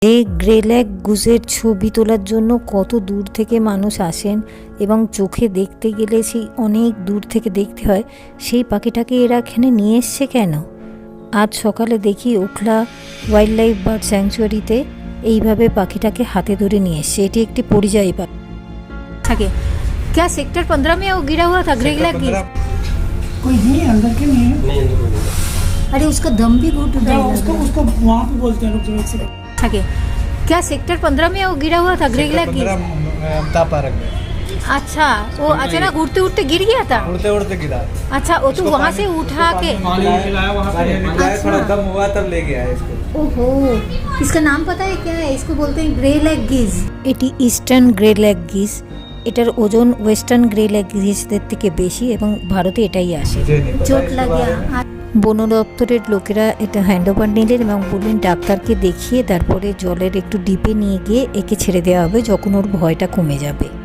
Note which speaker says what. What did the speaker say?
Speaker 1: এই grey leg গুজের ছবি তোলার জন্য কত দূর থেকে মানুষ আসেন এবং চোখে দেখতে গেলে সেই অনেক দূর থেকে দেখতে হয়। সেই পাখিটাকে এরা এখানে নিয়ে এসছে কেন? আজ সকালে দেখি ওখলা ওয়াইল্ড লাইফ বার্ড স্যাংচুয়ারিতে এইভাবে পাখিটাকে হাতে ধরে নিয়ে এসছে। এটি একটি পরিযায়ী পাখি থাকে। क्या सेक्टर 15 में वो गिरा हुआ था ग्रे लेग गिज?
Speaker 2: कोई नहीं अंदर के नहीं है।
Speaker 1: अरे उसका दम भी घुट रहा है।
Speaker 2: उसको वहाँ पे बोलते हैं लोग जो एक से
Speaker 1: থাকে। क्या सेक्टर 15 में वो गिरा हुआ था ग्रे लेग गिज? अच्छा, वो अचानक उड़ते उड़ते गिर गया था।
Speaker 3: उड़ते उड़ते गिरा।
Speaker 1: अच्छा, वो तो वहाँ से उठा के
Speaker 3: थोड़ा दम हुआ तब ले गया इसको।
Speaker 1: ओहो, इसका नाम पता है क्या है? इसको बोलते हैं ग्रे लेग गिज। এটি ইস্টার্ন গ্রে লেগ গিজ। এটার ওজন ওয়েস্টার্ন গ্রে লেগ গিজদের থেকে বেশি এবং ভারতে এটাই আসে। চোট লাগিয়া বন দপ্তরের লোকেরা এটা হ্যান্ডওভার নিলেন এবং বললেন ডাক্তারকে দেখিয়ে তারপরে জলের একটু ডিপে নিয়ে গিয়ে একে ছেড়ে দেওয়া হবে যখন ওর ভয়টা কমে যাবে।